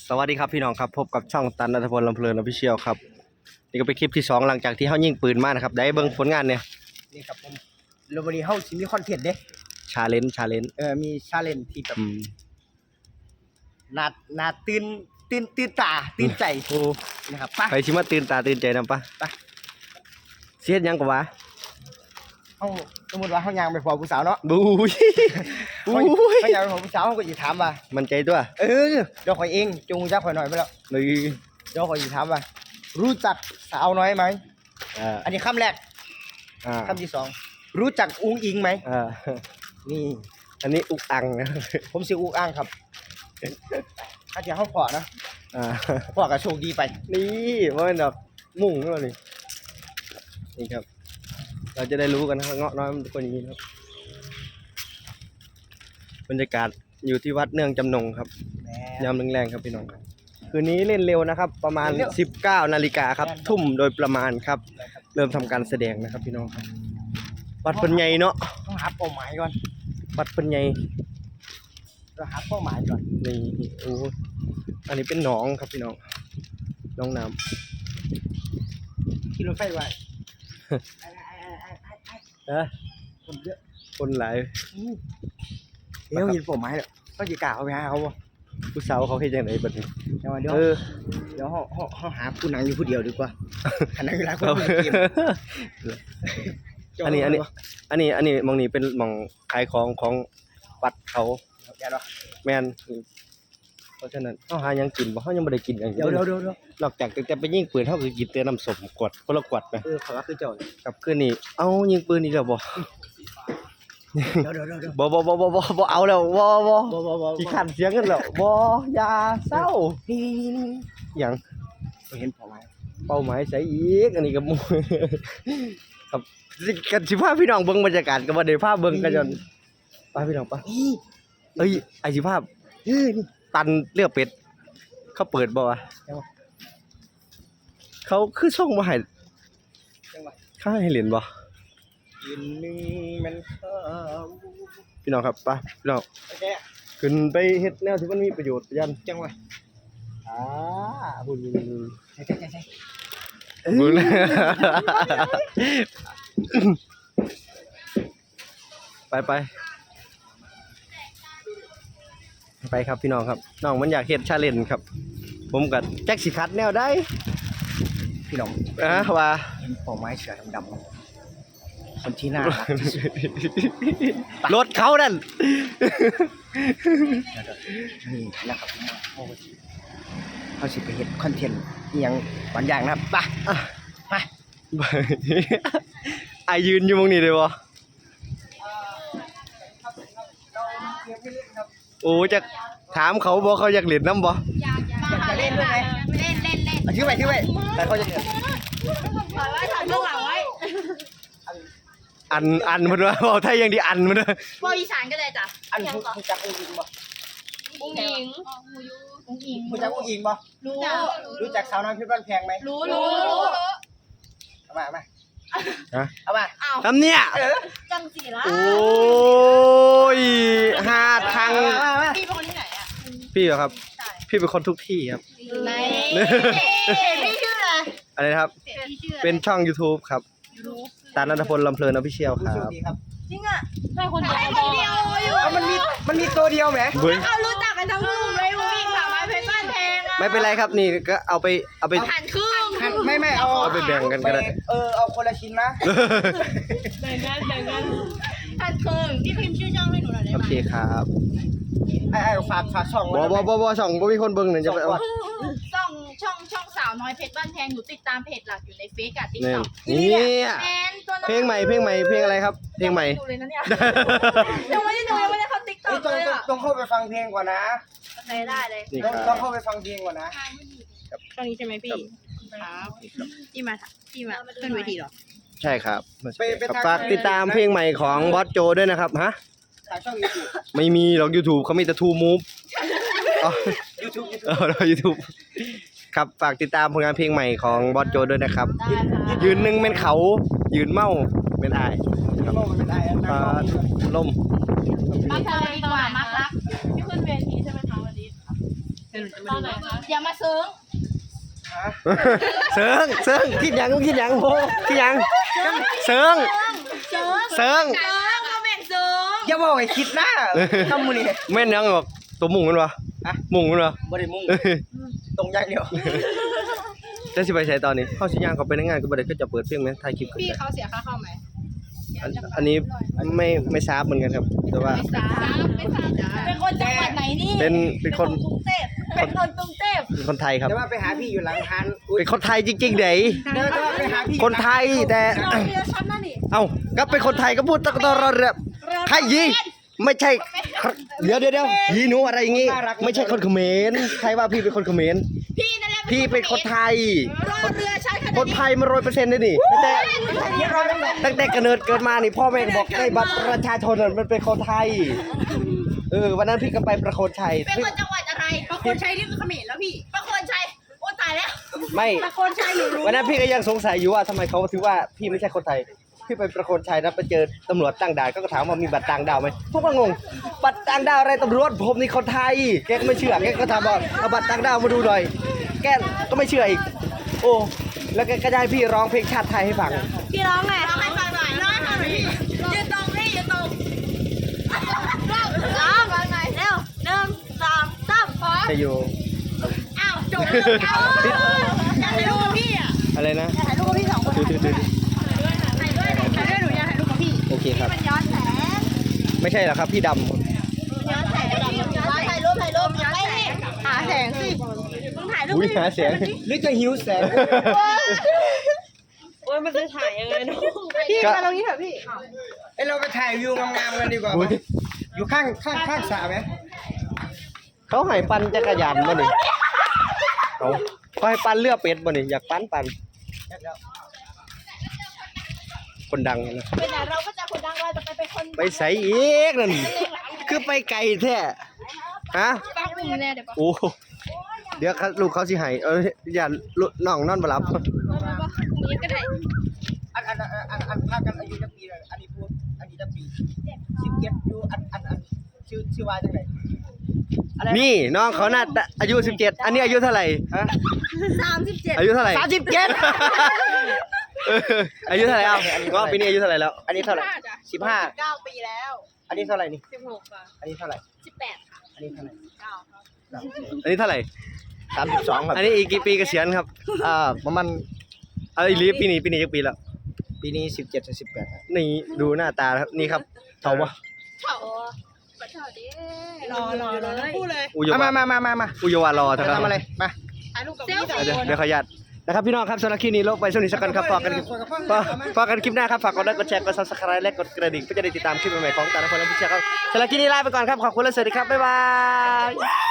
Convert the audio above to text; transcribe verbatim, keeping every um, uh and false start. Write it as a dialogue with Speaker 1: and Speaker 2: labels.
Speaker 1: สวัสดีครับพี่น้องครับพบกับช่องตันณัฐพลลำเพลินออฟฟิเชียลครับนี่ก็เป็นคลิปที่สองหลังจากที่เขายิงปืนมานะครับได้เบิ่งผลงานเนี่ย
Speaker 2: นี่ครับผมแล้ววันนี้เฮาสิมีคอนเทนต์เด้
Speaker 1: ชาเลนจ์ชาเลนจ์
Speaker 2: เออมีชาเลนจ์ที่แบบ
Speaker 1: อืม
Speaker 2: น่าน่าตื่นตื่นตื่นตาตื่นใจ
Speaker 1: โอ้
Speaker 2: นะครับไป
Speaker 1: ไปชิมาตื่นตาตื่นใจนำปะ
Speaker 2: ไป
Speaker 1: เสียดหยังกว่า
Speaker 2: เฮาสมมุติว่าเฮาย่างไปพอผู้สาวเนาะ
Speaker 1: บูย
Speaker 2: เฮา
Speaker 1: บูย
Speaker 2: เฮาย่างไปพอผู้สาวเฮาก็สิถามว่า
Speaker 1: มันใจตัว
Speaker 2: เออเดี๋ยวข่อยเองจงจักข่อยหน่อยไปแล้ว
Speaker 1: เลย
Speaker 2: เดี๋ยวข่อยสิถามว่า รู้จักสาวน้อยไหม
Speaker 1: อ่า
Speaker 2: อันนี้คำแรก
Speaker 1: อ่า
Speaker 2: คำที่สองรู้จักอุ้งอิงไหม
Speaker 1: อ่า
Speaker 2: นี่
Speaker 1: อันนี้อุกอังนะ
Speaker 2: ผมสิอุ้งอ้างครับถ้าจะเฮาพอนะ
Speaker 1: อ่า
Speaker 2: พอก็โชคดีไป
Speaker 1: นี่ว่ามันแบบมุ่งขึ้นมานี่นี่ครับ เราจะได้รู้กันนะครับเงาะน้อยมันเป็นคนอย่างนี้ครับบรรยากาศอยู่ที่วัดเนื่องจำนงครับ
Speaker 2: แหม
Speaker 1: ยามแรงๆครับพี่น้องครับคืนนี้เล่นเร็วนะครับ ประมาณ
Speaker 2: เล่นเร็ว
Speaker 1: สิบเก้านาฬิกาครับ
Speaker 2: แม่น
Speaker 1: ทุ่มโดยประมาณครับ
Speaker 2: นะครับ
Speaker 1: เริ่มทำการแสดงนะครับพี่น้องครับวัดเพิ่นใหญ่เนาะ
Speaker 2: ต้องหาเป้าหมายก่อน
Speaker 1: วัดเพิ่นใหญ่
Speaker 2: เราหาเป้าหมายก่อน
Speaker 1: นี่โอ้อันนี้เป็นหนองครับพี่น้องหน้องน้
Speaker 2: ขี่รถไฟไว้
Speaker 1: ำนะ
Speaker 2: คนเยอะ
Speaker 1: คนหลาย
Speaker 2: เดี๋ยวยินผมไม้แล้วก็จะกล่าวไปหาเขาบ่
Speaker 1: ผู้สาวเขาเฮ็ดจังไดบัดนี้
Speaker 2: เดี๋ยวเดี๋ยว
Speaker 1: เออ
Speaker 2: เดี๋ยวเขาเขาเขาหาผู้นั่งอยู่ผู้เดียวดีกว่าขณะเวลาคน
Speaker 1: ครับ
Speaker 2: เล่นเกม
Speaker 1: อันนี้อันนี้อันนี้อันนี้หมองนี้เป็นหมองขายของของวัดเขา
Speaker 2: อย่าดอก
Speaker 1: แม่นเพราะฉะนั้นเฮาหาหยังกินบ่เฮายังบ่ได้กินหยัง
Speaker 2: เดี๋ยวเดี๋ยวเดี๋ยวเดี๋ยวน
Speaker 1: อกจากแต่ไปยิงปืนเฮาก็กินแต่น้ำส้มกวดคนละกวดไป
Speaker 2: เออขอว่าคือเจ้า
Speaker 1: กับคืนนี้เอ้ายิงปืนอีกแล้วบ่
Speaker 2: เดี๋ยวเดี๋ยวเดี๋ยวเดี๋ยว
Speaker 1: บ่บ่บ่บ่บ่บ่เอาแล้วบ่บ่
Speaker 2: บ่บ่บ่
Speaker 1: ขี้ขันเสียงกันแล้วบ่อย่าเศร้า
Speaker 2: นี่นี่นี่
Speaker 1: หยัง
Speaker 2: นี่เห็นผมไม้
Speaker 1: เป้าหมายใส่อีกอันนี้ก็หมู่ ครับสิกันสิพาพี่น้องเบิ่งบรรยากาศก็บ่ได้พาเบิ่งกันจนไปพี่น้องไป
Speaker 2: นี่
Speaker 1: เอ้ยไอ้สิภาพ
Speaker 2: เออนี่
Speaker 1: ตันเลือกเป็ดเขาเปิดบ่วะ
Speaker 2: จังหวะ
Speaker 1: เขาคือส่งมาให้
Speaker 2: จังหวะ
Speaker 1: เขาให้เล่นบ่
Speaker 2: ยืนหนึ่งมันเข้า
Speaker 1: พี่น้องครับไปพี่น้อง
Speaker 2: โอเค
Speaker 1: ขึ้นไปเฮ็ดแนวที่มันมีประโยชน์ยัน
Speaker 2: จังหวะ
Speaker 1: อ่าบุญ
Speaker 2: ใช่ใช่ใช่ใช่
Speaker 1: บุญไปไปไปครับพี่น้องครับน้องมันอยากเฮ็ดชาเลนจ์ครับ ผมกับแจ็คสิคัดแนวได้
Speaker 2: พี่น้อง
Speaker 1: อ่ะว่า
Speaker 2: เห็นผมไม้เสือดำๆคนที่น่ารักที่สุด
Speaker 1: รถเขานั่น
Speaker 2: นี่นะครับผมว่าเขาสิเขาสิไปเฮ็ดคอนเทนต์อหยังบางอย่างนะครับไปอ่ะไป
Speaker 1: ไอยืนอยู่ตรงนี้เลยวะโอ้จะถามเขาบอกเขาอยากเล่นน้ำบ่
Speaker 3: อยากอยาก
Speaker 2: จะเล่นด้วยไหม
Speaker 3: เล่นเล่นเล่น
Speaker 2: อ่ะชื่อไปชื่อไปแต่เขาจะเล่น
Speaker 3: ถอยไว้ถอยเบื้องหลังไว้
Speaker 1: อันอันมันว่าบอกไทยยังดีอันมันว่า
Speaker 3: บอกอีสานก็ได้จ้ะ
Speaker 2: อันผู้ผู้จักอุ้งอิงบ่
Speaker 3: อุ้งอิงอุ้งอิง
Speaker 2: ผู้จักอุ้งอิงบ่
Speaker 3: รู้
Speaker 2: รู้จักสาวน้อยเพชรบ้านแพงไหม
Speaker 3: รู้รู้รู้
Speaker 2: เอามาเอามา
Speaker 1: ฮะ
Speaker 2: เอามา
Speaker 3: อ้าว
Speaker 1: ทำเนี่ย
Speaker 2: เออ
Speaker 3: จังสีละ
Speaker 1: โอ้ยหาทาง
Speaker 2: มามามา
Speaker 3: พี่เป็นคนที่ไหนอ่ะ
Speaker 1: พี่เหรอครับ พี่เป็นคนทุกที่ครับ
Speaker 3: ไหนพี่ชื่ออะไร
Speaker 1: อะไรนะครับ
Speaker 3: พี่ชื่อ
Speaker 1: เป็นช่อง YouTube ครับ
Speaker 3: รู้
Speaker 1: ตาณัฐพลลำเพลินออฟฟิเชียลค
Speaker 2: ผู้
Speaker 1: รั
Speaker 2: โชค
Speaker 1: บ
Speaker 2: ดีครับ
Speaker 3: จริงอ่ะใช่คนเดียวคนเดียวอยู่
Speaker 2: เอามันมีมันมีตัวเดียวแหม
Speaker 1: เฮ้ย
Speaker 3: เขารู้จักกันทั้งกลุ่มเลยอุ้งอิงสาวน้อยเพชรบ้านแพงอ่ะ
Speaker 1: ไม่เป็นไรครับนี่ก็เอาไปเอาไป
Speaker 3: หันครึ่ง
Speaker 2: หันไม่ไม่เอา
Speaker 1: เอาไปแบ่งกันก็ได้
Speaker 2: เออเอาคนละชิ้นนะ
Speaker 3: แบ่งกันแบ่งกันหันครึ่งพี่พิมพ์ชื่อช่องให้หนูหน่อยได้
Speaker 1: โอ
Speaker 3: ไหม
Speaker 1: เคครับ
Speaker 2: ไอ้ไอ้ฝากฝากช่อง
Speaker 1: บอบอบอบอช่องบ่มีคนเบิ่งเนี่ยจะไปเอา
Speaker 3: ช่องช่องช่องสาวน้อยเพชรบ้านแพงหนูติดตามเพจหลักอยู่ในเฟซกับติ๊ก
Speaker 1: นี่
Speaker 3: ต็อก
Speaker 1: นี่
Speaker 3: แอนตัวน้อง
Speaker 1: เพลงใหม่เพลงใหม่เพลงอะไรครับ เพลงใหม่
Speaker 3: ดูเลยนะเนี่ยยังไม่ได้ดูยังไม่ได้เข้าติ๊กต็
Speaker 2: เอ้
Speaker 3: อย ก
Speaker 2: ต้อง
Speaker 3: เลย
Speaker 2: ต้อง
Speaker 3: อ่ะ
Speaker 2: ต้องเข้าไปฟังเพลงก่อนนะ
Speaker 3: ได้ได้เลย
Speaker 1: นี่
Speaker 2: ต้อง
Speaker 1: ค
Speaker 2: ต้
Speaker 1: รั
Speaker 2: อง
Speaker 1: บ
Speaker 2: เข้าไปฟังเพลงก่อนนะ
Speaker 3: ตอนนี้ใช่ไหมพี่ครับพี่มาพี่มาขึ้นเวทีเหรอ
Speaker 1: ใช่ครับ
Speaker 2: ไปไปทาง
Speaker 1: ฝากติดตามเพลงใหม่ของบอสโจด้วยนะครับฮะ
Speaker 2: ทางช่องยูทูบ
Speaker 1: ไม่มีหรอก YouTube เขามีแต่ ทูมูฟ อ๋อ
Speaker 2: ยูทูบยูทูบ
Speaker 1: เออเรา YouTube ครับฝากติดตามผลงานเพลงใหม่ของบอสโจด้วยนะครับ
Speaker 3: ได้ค่ะ
Speaker 1: ยืนหนึ่งเป็นเขายืนเมาเป็นอาย
Speaker 2: โลกมันเป็นได้นะ
Speaker 1: ปลาล่ม
Speaker 3: มักทะเลดีกว่ามักรักพี่ขึ้นเวทีใช่ไหมคะวันนี้อย่ามาเซิง
Speaker 1: เสิงเสิงคิดหยังคิดหยังโพคิดหยังเสิง
Speaker 3: เซิง
Speaker 1: เสิง
Speaker 3: เซิงมาแม่งเซิง
Speaker 2: อย่าบอกให้คิดนะทำมือนี่
Speaker 1: แม่นยังหรอกตัวมุงมันวะ
Speaker 2: อะ
Speaker 1: มุงมันวะ
Speaker 2: บ่ได้มุ่งตรงอย่างเดียว
Speaker 1: จะสิไปใช้ตอนนี้เข้าสิย่างเขาไปในงานก็บ่ได้ก็จะเปิดเพลงไหมถ่ายคลิปกัน
Speaker 3: พี่เขาเสียค่าเข้าไหม
Speaker 1: อันอันนี้ไม่ไม่ทราบเหมือนกันครับ แต่ว่า
Speaker 3: ไม่ทราบไม่ทราบเป็นคนจังหวัดไหนนี่
Speaker 1: เป็นเป็นคน
Speaker 3: กรุงเทพเป็นคนกรุงเทพ
Speaker 1: เป็นคนไทยครับ
Speaker 2: แต่ว่าไปหาพี่อยู่หลังทัน
Speaker 1: เป็นคนไทยจริงๆเด้
Speaker 2: เดี๋ยวไปหาพี่
Speaker 1: คนไทยแต่
Speaker 3: เราเรือชั้นนั่นนี่
Speaker 1: เอ้าก็เป็นคนไทยก็พูดตะตอรอเรือใครยีไม่ใช่เดี๋ยวเดี๋ยวเดี๋ยวยีหนูอะไรอย่างงี้ ไม่ใช่คนเขมรใครว่าพี่เป็นคนเขมร
Speaker 3: พี่นั่นแหละ
Speaker 1: พี่เป็นคนไทย
Speaker 3: รอเรือชั้นขนาด
Speaker 1: คนไทยมาร้อยเปอร์เซ็นต์เลยนี่ตั้งแต่ตั้งแต่กำเนิดเกิดมานี่พ่อแม่บอกได้บัตรประชาชนน่ะมันเป็นคนไทย เออวันนั้นพี่ก็ไปประโคนชัย
Speaker 3: เป็นคนจังหวัดอะไรประโคนชัยนี่คือเขมรแล้วพี่ประโคนชัยโอ้ตายแล้ว
Speaker 1: ไม่
Speaker 3: ประโคนชัยหนูรู้
Speaker 1: วันนั้นพี่ก็ยังสงสัยอยู่ว่าทำไมเขาถึงว่าพี่ไม่ใช่คนไทย พี่ไปประโคนชัยแล้วไปเจอตำรวจตั้งด่านก็ถามว่ามีบัตรต่างดาวไหมพวกก็งงบัตรต่างดาวอะไรตำรวจผมนี่คนไทยแกก็ไม่เชื่อแกก็ถามว่าเอาบัตรต่างดาวมาดูหน่อยแกก็ไม่เชื่ออีกโอ้แล้วแกก็จะให้พี่ร้องเพลงชาติไทยให้ฟัง
Speaker 3: พี่ร้องไงร้องให้ฟังหน่อยร้องให้ฟังหน่อยพี่ยืนตรงนี่ยืนตรงร้องร้องฟังหน่อยเร็วหนึ่งสองสามพร้อม
Speaker 1: จะอยู่
Speaker 3: อ้าวจบเอาอยากถ่ายรูปกับพี่อ่ะ
Speaker 1: อะไรนะ
Speaker 3: อยากถ่ายรูปกับพี่สองคน
Speaker 1: ดูดูดู
Speaker 3: ถ่ายด้วยถ่ายด้วยหนูอยากถ่ายรูปกับพี่
Speaker 1: โอเคครับ
Speaker 3: มันย้อนแสง
Speaker 1: ไม่ใช่หรอกครับพี่ด
Speaker 3: ย้อนแสงถ่ายรูปถ่ายรูปย้อนแสงหาแสงสิมึงถ่ายรู
Speaker 1: ำ
Speaker 3: ป
Speaker 1: อุ้ยหาเสียง
Speaker 2: หรือจะหิวแสง
Speaker 3: โอ้ยมันจะถ่ายยังไงเนาะพี่มาตรงนี้เถอะพี่
Speaker 2: เอ้ยเราไปถ่ายวิวงามๆกันดีกว่า
Speaker 1: อุ้ย
Speaker 2: อยู่ข้างข้างข้างสระไหม
Speaker 1: เขาให้ปั่นจักรยานบ่นี่เขาเขาให้ปั่นเรือเป็ดบ่นี่อยากปั่นปั่นคนดังนะ
Speaker 3: ไปไหนเราก็จะคนดังเราจะไปเป็นคน
Speaker 1: ไปใส่อีกนั่นคือไปไกลแท้ฮะ
Speaker 3: ป้าอุ้มแน่เดี๋ยวป้า
Speaker 1: โอ้เดี๋ยวเขาลูกเขาสิให้เอออย่าลูกน้องนอนบ่หลับ
Speaker 3: นี้ก็ได้
Speaker 2: อันอันอันอันอันพากันอายุจะปีเลยอันนี้พูดอันนี้จะปีสิบเจ็ดดูอันอันอันชื่อชื่อว่าจังไหนอะไร
Speaker 1: นี่น้องเขาน่าจะอายุสิบเจ็ดอันนี้อายุเท่าไหร่ฮะ
Speaker 3: สามสิบเจ็ด
Speaker 1: อายุเท่าไหร่
Speaker 2: สามสิบเจ็ด
Speaker 1: เอออายุเท่าไหร่เอ้าง้อปีนี้อายุเท่าไหร่แล้ว
Speaker 2: อันนี้เท่าไหร่สิบห้า
Speaker 3: เก้าปีแล้ว
Speaker 2: อันนี้เท่าไหร่นี่
Speaker 3: สิบหกค่ะ
Speaker 2: อันนี้เท่าไหร่
Speaker 3: สิบแปดค่ะ
Speaker 2: อันนี้เท่าไหร่
Speaker 3: เก้าครับ
Speaker 1: อันนี้เท่าไหร่
Speaker 2: สามสิบสองครับ
Speaker 1: อันนี้อีกกี่ปีเกษียณครับ
Speaker 2: อ่าประมาณ
Speaker 1: เอาอีลีฟปีนี้ปีนี้กี่ปีแล้ว
Speaker 2: ปีนี้สิบเจ็ดถึงสิบแปด
Speaker 1: นี่ดูหน้าตาครับนี่ครับเท่าปะ
Speaker 3: เฉาเฉาดิรอรอรอพูดเลย
Speaker 1: อุย
Speaker 2: เอา
Speaker 1: วา
Speaker 2: มามามามามา
Speaker 1: อุยวารอ
Speaker 2: จะ
Speaker 1: เท่านั้น
Speaker 2: ทำอะไรมา
Speaker 3: ถ่ายรูปกับพี่สอง
Speaker 1: เดี๋ยว
Speaker 3: คน
Speaker 1: เดี๋ยวขออนุญาตนะครับพี่น้องครับสำหรับคลิปนี้ลงไปช่วงนี้สักกันครับฝากกันฝากฝากกันคลิปหน้าครับฝากกดไลค์กดแชร์กดซับสไครต์และกดกระดิ่งเพื่อจะได้ติดตามคลิปใหม่ๆของแต่ละคนและผู้ชมครับสำหรับคลิปนี้ลาไปก่อนครับขอบคุณและสวัสดีครับบ๊ายบาย